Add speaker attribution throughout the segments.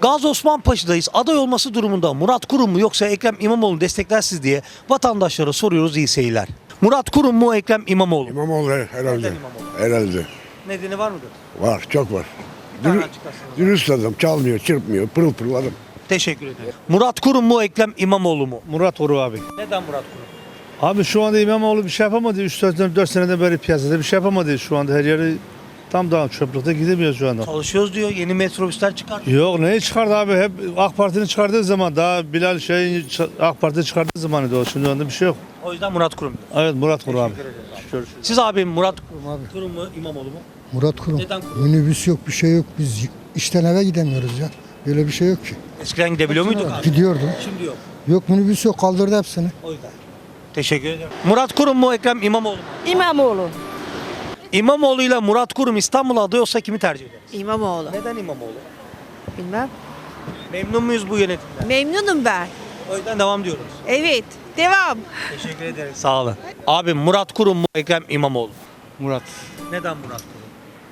Speaker 1: Gazi Osman Paşa'dayız. Aday olması durumunda Murat Kurum mu yoksa Ekrem İmamoğlu desteklersiz diye vatandaşlara soruyoruz, iyi seyirler. Murat Kurum mu Ekrem İmamoğlu mu?
Speaker 2: İmamoğlu herhalde.
Speaker 1: Neden İmamoğlu?
Speaker 2: Herhalde.
Speaker 1: Nedeni var mıdır?
Speaker 2: Var, çok var.
Speaker 1: Bir tane açıklasınız.
Speaker 2: Dürüst adam, çalmıyor, çırpmıyor, pırıl pırıl adam.
Speaker 1: Teşekkür ederim. Murat Kurum mu Ekrem İmamoğlu mu?
Speaker 3: Murat Kurum abi.
Speaker 1: Neden Murat Kurum?
Speaker 3: Abi şu anda İmamoğlu bir şey yapamadı. 3-4 seneden beri piyasada bir şey yapamadı. Şu anda her yeri tam daha çöplükte gidemiyor şu anda.
Speaker 1: Çalışıyoruz diyor. Yeni metrobüsler çıkartıyor.
Speaker 3: Yok, neyi çıkardı abi? Hep AK Parti'nin çıkardığı zaman, daha Bilal AK Parti çıkardığı zamanıydı o. Şimdi onda bir şey yok.
Speaker 1: O yüzden Murat Kurum diyor.
Speaker 3: Evet, Murat Kurum abi.
Speaker 1: Siz abi Murat
Speaker 4: abi.
Speaker 1: Kurum mu İmamoğlu mu?
Speaker 4: Murat Kurum.
Speaker 1: Neden Kurum?
Speaker 4: Minibüs yok, bir şey yok. Biz işten eve gidemiyoruz ya. Böyle bir şey yok ki.
Speaker 1: Eskiden gidebiliyor muyduk abi?
Speaker 4: Gidiyordum.
Speaker 1: Şimdi yok.
Speaker 4: Yok, minibüs yok, kaldırdı hepsini.
Speaker 1: O yüzden. Teşekkür ederim. Murat Kurum mu Ekrem İmamoğlu mu?
Speaker 5: İmamoğlu.
Speaker 1: İmamoğlu ile Murat Kurum İstanbul'a aday olsa kimi tercih ederiz?
Speaker 5: İmamoğlu.
Speaker 1: Neden İmamoğlu?
Speaker 5: Bilmem.
Speaker 1: Memnun muyuz bu yönetimden?
Speaker 5: Memnunum ben.
Speaker 1: O yüzden devam diyoruz.
Speaker 5: Evet. Devam.
Speaker 1: Teşekkür ederim. Sağ olun. Abi Murat Kurum mu Ekrem İmamoğlu mu?
Speaker 6: Murat.
Speaker 1: Neden Murat Kurum?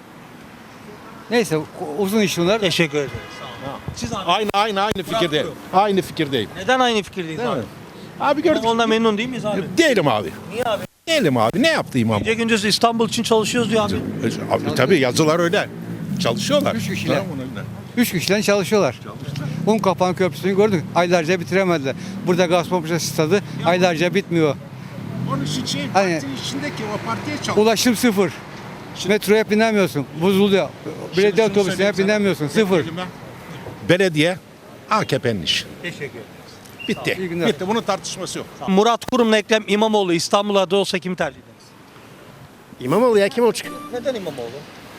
Speaker 6: Neyse uzun iş bunlar.
Speaker 1: Teşekkür ederim. Sağ olun. Siz abi.
Speaker 7: Aynı fikirdeyim. Aynı fikirdeyim.
Speaker 1: Neden aynı fikirdeyiz abi?
Speaker 7: Abi gördük.
Speaker 1: İmamoğlu'ndan memnun değil miyiz abi?
Speaker 7: Değilim abi.
Speaker 1: Niye abi?
Speaker 7: Değilim abi. Ne yaptı imam?
Speaker 1: Gece gündüz İstanbul için çalışıyoruz diyor abi.
Speaker 7: Abi, tabii yazılar öyle. Çalışıyorlar.
Speaker 6: 3 kişiler. 3 kişiler çalışıyorlar. Unkapanı Köprüsü'nü gördük. Aylarca bitiremediler. Burada Gazipaşa stadı aylarca bitmiyor.
Speaker 7: Onun için
Speaker 6: Hani-
Speaker 7: parti içindeki o partiye çalışıyor.
Speaker 6: Ulaşım sıfır. Metroya binemiyorsun. Bozuluyor. Belediye otobüsüne binemiyorsun. Sıfır.
Speaker 7: Belediye AKP'nin işi.
Speaker 1: Teşekkür ederim.
Speaker 7: Bitti.
Speaker 6: İyi günler.
Speaker 7: Bitti. Bunun tartışması yok.
Speaker 1: Murat Kurum'la Ekrem İmamoğlu İstanbul'a aday olsa kimi tercih ederiz?
Speaker 2: İmamoğlu ya, kim olacak?
Speaker 1: Neden İmamoğlu?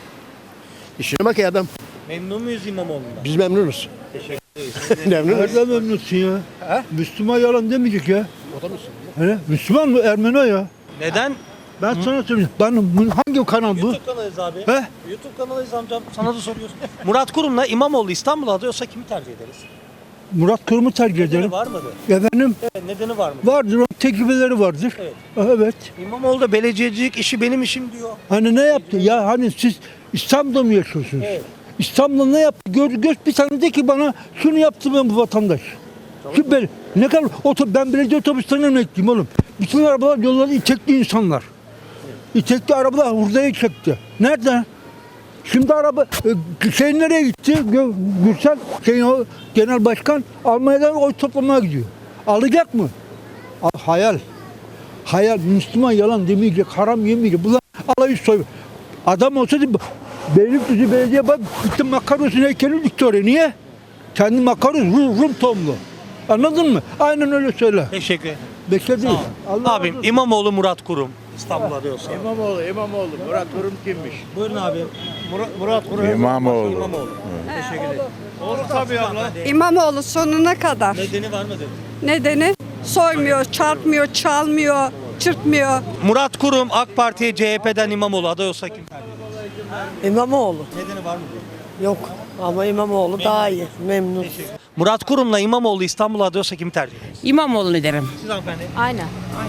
Speaker 2: İşine bak ya adam.
Speaker 1: Memnun muyuz İmamoğlu'ndan?
Speaker 2: Biz memnunuz. Memnunuz.
Speaker 3: Nereden memnunsun ya? Müslüman yalan demeyecek ya. O da Müslüman. Müslüman mı? Ermeni ya.
Speaker 1: Neden?
Speaker 3: Ben sana söyleyeyim. Hangi kanal bu?
Speaker 1: YouTube kanalıyız abi.
Speaker 3: He?
Speaker 1: YouTube kanalıyız amcam. Sana da soruyorsun. Murat Kurum'la İmamoğlu İstanbul'a aday olsa kimi tercih ederiz?
Speaker 3: Murat Kurum'u tercih
Speaker 1: Nedeni
Speaker 3: ederim.
Speaker 1: var mıdır?
Speaker 3: Efendim,
Speaker 1: Evet, nedeni var mı?
Speaker 3: vardır, o tecrübeleri vardır.
Speaker 1: Evet.
Speaker 3: Evet.
Speaker 1: İmamoğlu da belediyecilik işi benim işim diyor.
Speaker 3: Hani ne yaptı? Ya hani siz İstanbul'da mı yaşıyorsunuz?
Speaker 1: Evet.
Speaker 3: İstanbul'da ne yaptı? Göz bir tane de ki bana şunu yaptı ben bu vatandaş. Ki ne kadar ben belediye otobüslerine emekliyim oğlum. Bütün arabalar yolları itekli insanlar. İtekli arabalar hurdaya çekti. Nerede? Şimdi araba nereye gitti? Gürsel o genel başkan Almanya'dan oy toplamaya gidiyor. Alacak mı? Hayal. Hayal. Müslüman yalan demeyecek, haram yemeyecek. Bunlar alayı soy. Adam olsaydı Beylikdüzü Belediye bak gitti Makaros'un heykeli dikti oraya. Niye? Kendi Makaros Rum tohumlu. Anladın mı? Aynen öyle söyle.
Speaker 1: Teşekkür ederim.
Speaker 3: Bekledim.
Speaker 1: Abim İmamoğlu Murat Kurum İstanbul'a aday olsa.
Speaker 8: İmamoğlu. Murat Kurum kimmiş?
Speaker 1: Buyurun abi.
Speaker 8: Murat Kurum.
Speaker 7: İmamoğlu.
Speaker 1: İmamoğlu. Teşekkür ederim.
Speaker 8: Olur tabii abla.
Speaker 5: İmamoğlu sonuna kadar.
Speaker 1: Nedeni var mıdır?
Speaker 5: Nedeni? Soymuyor, çarpmıyor, çalmıyor, çırpmıyor.
Speaker 1: Murat Kurum AK Parti'ye CHP'den İmamoğlu aday olsa kim tercih ederiz?
Speaker 9: İmamoğlu
Speaker 1: Nedeni var mı?
Speaker 9: yok ama İmamoğlu daha iyi. Memnun.
Speaker 1: Murat Kurum'la İmamoğlu İstanbul'a aday olsa kimi tercih ederiz?
Speaker 10: İmamoğlu'nu derim.
Speaker 1: Siz hanımefendi.
Speaker 5: Aynen.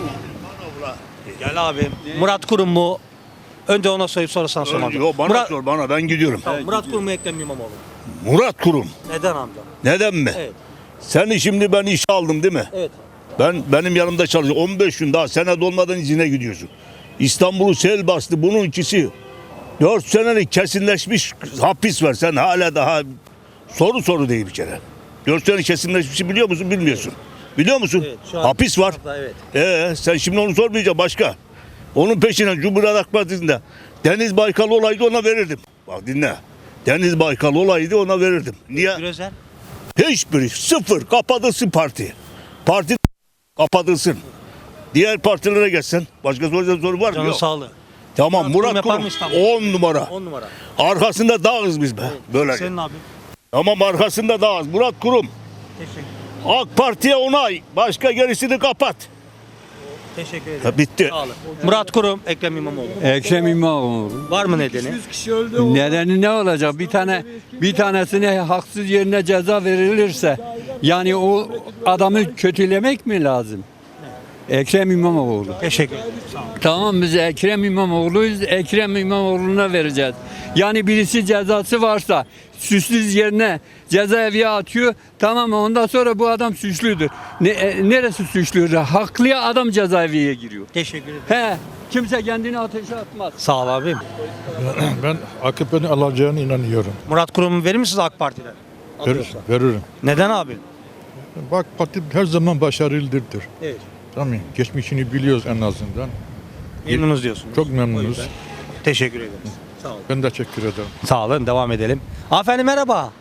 Speaker 1: Gel abi. Murat Kurum mu? Önce ona sorup sonra sana sormam.
Speaker 8: Yok bana
Speaker 1: Murat,
Speaker 8: sor bana ben gidiyorum.
Speaker 1: Tamam, Murat Kurum mu Ekrem İmamoğlu mu?
Speaker 8: Murat Kurum.
Speaker 1: Neden amca?
Speaker 8: Neden mi?
Speaker 1: Evet.
Speaker 8: Seni şimdi ben işe aldım değil mi?
Speaker 1: Evet.
Speaker 8: Benim yanımda çalışıyor. 15 gün daha sene dolmadan izine gidiyorsun. İstanbul'u sel bastı. Bunun ikisi 4 senelik kesinleşmiş hapis var. Sen hala daha soru değil bir kere. 4 sene kesinleşmişi biliyor musun? Bilmiyorsun. Biliyor musun?
Speaker 1: Evet, şu an
Speaker 8: hapis var.
Speaker 1: Evet.
Speaker 8: Sen şimdi onu sormayacaksın başka. Onun peşine Cumhuriyet Halk Partisi'nde Deniz Baykal olaydı ona verirdim. Bak dinle. Deniz Baykal olaydı ona verirdim. Niye?
Speaker 1: Gürezer.
Speaker 8: Hiçbiri sıfır kapatılsın parti. Parti kapatılsın. Diğer partilere geçsen başka soru var mı?
Speaker 1: Canın
Speaker 8: Yok.
Speaker 1: sağlığı.
Speaker 8: Tamam
Speaker 1: Murat Kurum
Speaker 8: Murat
Speaker 1: yapar
Speaker 8: Kurum
Speaker 1: mı İstanbul?
Speaker 8: 10 numara.
Speaker 1: 10 numara.
Speaker 8: Arkasında dağız biz be. Böyle.
Speaker 1: Senin abi.
Speaker 8: Tamam arkasında dağız. Murat Kurum.
Speaker 1: Teşekkür,
Speaker 8: AK Parti'ye onay. Başka gerisini kapat.
Speaker 1: teşekkür ederim.
Speaker 8: Ha, bitti.
Speaker 1: Sağ olun. Murat Kurum, Ekrem İmamoğlu.
Speaker 10: Ekrem İmamoğlu.
Speaker 1: Var mı nedeni?
Speaker 10: Nedeni ne olacak? Bir tanesine haksız yerine ceza verilirse yani o adamı kötülemek mi lazım? Ekrem İmamoğlu.
Speaker 1: Teşekkür ederim.
Speaker 10: Tamam biz Ekrem İmamoğlu'yuz. Ekrem İmamoğlu'na vereceğiz. Yani birisi cezası varsa suçsuz yerine cezaevine atıyor. Tamam ondan sonra bu adam suçludur. Neresi suçludur? Haklıya adam cezaevine giriyor.
Speaker 1: Teşekkür ederim.
Speaker 10: He, kimse kendini ateşe atmaz.
Speaker 1: Sağ ol abim.
Speaker 11: Ben AKP'nin alacağına inanıyorum.
Speaker 1: Murat Kurum'u verir misiniz AK Parti'den?
Speaker 11: Veririm.
Speaker 1: Neden abi?
Speaker 11: Bak parti her zaman başarılıdır.
Speaker 1: Evet.
Speaker 11: Tamam. Geçmişini biliyoruz en azından.
Speaker 1: Memnunuz diyorsunuz.
Speaker 11: Çok memnunuz.
Speaker 1: Teşekkür ederim. Sağ olun.
Speaker 11: Ben de teşekkür ederim.
Speaker 1: Sağ olun. Devam edelim. Hanımefendi merhaba.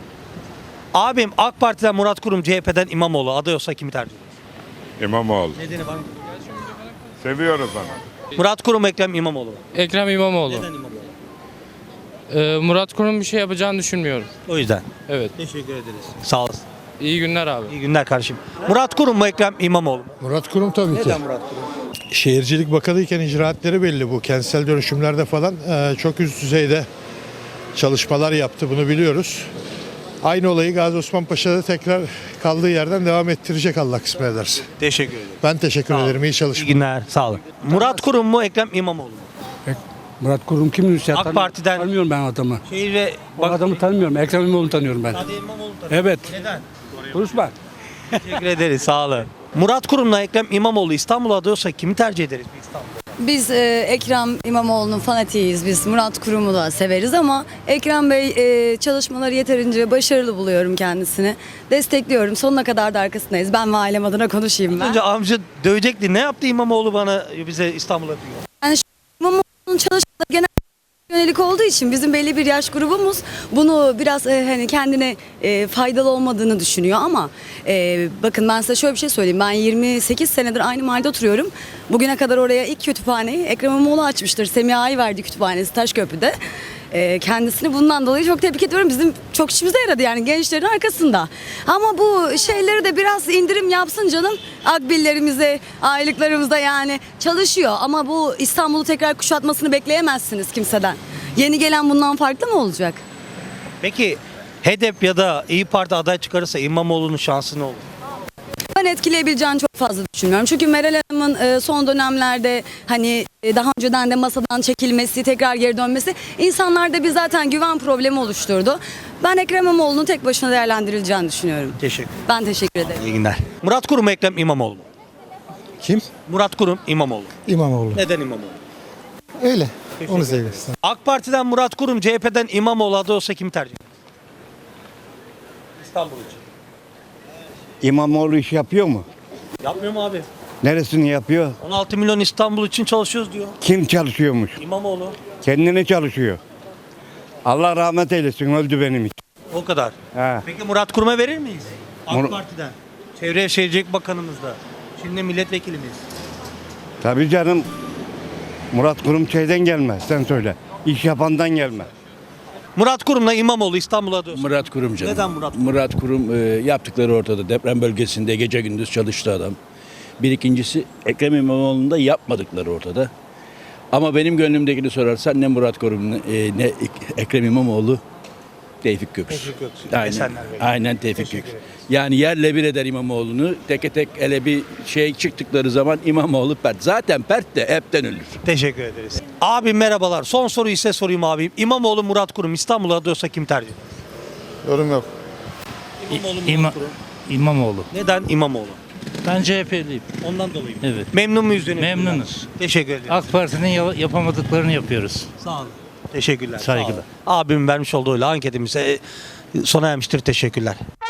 Speaker 1: Abim AK Parti'den Murat Kurum, CHP'den İmamoğlu aday olsa kimi tercih eder?
Speaker 7: İmamoğlu.
Speaker 1: Nedeni var mı?
Speaker 7: Seviyoruz onu.
Speaker 1: Murat Kurum, Ekrem İmamoğlu.
Speaker 12: Ekrem İmamoğlu.
Speaker 1: Neden İmamoğlu?
Speaker 12: Murat Kurum bir şey yapacağını düşünmüyorum.
Speaker 1: O yüzden.
Speaker 12: Evet.
Speaker 1: Teşekkür ederiz. Sağ olasın.
Speaker 12: İyi günler abi.
Speaker 1: İyi günler kardeşim. Murat Kurum mu, Ekrem İmamoğlu mu?
Speaker 11: Murat Kurum tabii
Speaker 1: Neden Murat Kurum?
Speaker 11: Şehircilik Bakanıyken icraatleri belli bu. Kentsel dönüşümlerde falan çok üst düzeyde çalışmalar yaptı. Bunu biliyoruz. Aynı olayı Gazi Osman Paşa'da tekrar kaldığı yerden devam ettirecek Allah kısmet ederse.
Speaker 1: Teşekkür ederim.
Speaker 11: Ben teşekkür ederim. İyi
Speaker 1: İyi
Speaker 11: çalışmalar.
Speaker 1: günler. Sağ olun. Murat Kurum mu, Ekrem İmamoğlu mu?
Speaker 3: Murat Kurum kimin?
Speaker 1: AK Parti'den
Speaker 3: Tanımıyorum ben adamı.
Speaker 1: şehir ve
Speaker 3: O adamı tanımıyorum. Ekrem İmamoğlu'nu tanıyorum ben.
Speaker 1: Hadi İmamoğlu tanıyor.
Speaker 3: Evet.
Speaker 1: Neden?
Speaker 3: Konuşma.
Speaker 1: Teşekkür ederiz. Sağ olun. Murat Kurum'la Ekrem İmamoğlu İstanbul'a aday olsa kimi tercih ederiz biz İstanbul'da?
Speaker 5: Biz Ekrem İmamoğlu'nun fanatiyiz. Biz Murat Kurum'u da severiz ama Ekrem Bey çalışmaları yeterince başarılı buluyorum kendisini. Destekliyorum. Sonuna kadar da arkasındayız. Ben ve ailem adına konuşayım ben.
Speaker 1: Önce amca dövecekti. Ne yaptı İmamoğlu bana bize İstanbul'a diyor.
Speaker 5: Yani İmamoğlu'nun çalışmaları genel yönelik olduğu için bizim belli bir yaş grubumuz bunu biraz hani kendine faydalı olmadığını düşünüyor ama bakın ben size şöyle bir şey söyleyeyim. Ben 28 senedir aynı mahallede oturuyorum. Bugüne kadar oraya ilk kütüphaneyi Ekrem İmamoğlu açmıştır. Semiha Ayverdi Kütüphanesi Taşköprü'de. Kendisini bundan dolayı çok tebrik ediyorum. Bizim çok işimize yaradı yani gençlerin arkasında. Ama bu şeyleri de biraz indirim yapsın canım. Akbillerimize, aylıklarımıza yani çalışıyor. Ama bu İstanbul'u tekrar kuşatmasını bekleyemezsiniz kimseden. Yeni gelen bundan farklı mı olacak?
Speaker 1: Peki HDP ya da İyi Parti aday çıkarırsa İmamoğlu'nun şansı ne olur?
Speaker 5: Ben etkileyebileceğini çok fazla düşünmüyorum. Çünkü Meral Hanım'ın son dönemlerde hani daha önceden de masadan çekilmesi, tekrar geri dönmesi insanlarda bir zaten güven problemi oluşturdu. Ben Ekrem İmamoğlu'nun tek başına değerlendirileceğini düşünüyorum.
Speaker 1: Teşekkür.
Speaker 5: Ben teşekkür ederim.
Speaker 1: İyi günler. Murat Kurum mu, Ekrem İmamoğlu mu?
Speaker 4: Kim?
Speaker 1: Murat Kurum, İmamoğlu.
Speaker 4: İmamoğlu.
Speaker 1: Neden İmamoğlu?
Speaker 4: Öyle. Onu seviyoruz.
Speaker 1: AK Parti'den Murat Kurum, CHP'den İmamoğlu aday olsa kimi tercih eder? İstanbul için.
Speaker 8: İmamoğlu iş yapıyor mu?
Speaker 1: Yapmıyor mu abi?
Speaker 8: Neresini yapıyor?
Speaker 1: 16 milyon İstanbul için çalışıyoruz diyor.
Speaker 8: Kim çalışıyormuş?
Speaker 1: İmamoğlu.
Speaker 8: Kendini çalışıyor. Allah rahmet eylesin, öldü benim için.
Speaker 1: O kadar.
Speaker 8: He.
Speaker 1: Peki Murat Kurum'a verir miyiz? AK
Speaker 8: Mur-
Speaker 1: Parti'den. Çevre Şehircilik Bakanımız da. Şimdi milletvekilimiz.
Speaker 8: Tabii canım. Murat Kurum şeyden gelme, sen söyle. İş yapandan gelme.
Speaker 1: Murat Kurum'la İmamoğlu İstanbul'a aday olsa.
Speaker 13: Murat Kurum canım.
Speaker 1: Neden Murat Kurum?
Speaker 13: Murat Kurum yaptıkları ortada. Deprem bölgesinde gece gündüz çalıştı adam. Bir ikincisi Ekrem İmamoğlu'nda yapmadıkları ortada. Ama benim gönlümdekini sorarsan ne Murat Kurum ne Ekrem İmamoğlu Tevfik Göksu.
Speaker 1: Tevfik Göksu.
Speaker 13: Aynen,
Speaker 1: Esenler Bey.
Speaker 13: aynen Tevfik
Speaker 1: Teşekkür
Speaker 13: Göksu.
Speaker 1: ederiz.
Speaker 13: Yani yerle bir eder İmamoğlu'nu. Teke tek ele bir şey çıktıkları zaman İmamoğlu pert. Zaten pert de hepten ölür.
Speaker 1: Teşekkür ederiz. Abi merhabalar. Son soruyu size sorayım abim. İmamoğlu Murat Kurum İstanbul'a aday olsa kim tercih eder?
Speaker 11: Yorum yok.
Speaker 1: İmamoğlu Murat Kurum.
Speaker 12: İmamoğlu.
Speaker 1: Neden İmamoğlu?
Speaker 12: Ben CHP'liyim.
Speaker 1: Ondan dolayı mı?
Speaker 12: Evet.
Speaker 1: Memnun muyuz yönetimden?
Speaker 12: Memnunuz.
Speaker 1: Teşekkür ederim.
Speaker 12: AK Parti'nin yapamadıklarını yapıyoruz.
Speaker 1: Sağ olun. Teşekkürler.
Speaker 12: Saygılar.
Speaker 1: Sağ olun. Abimin vermiş olduğu anketimize sona ermiştir. Teşekkürler.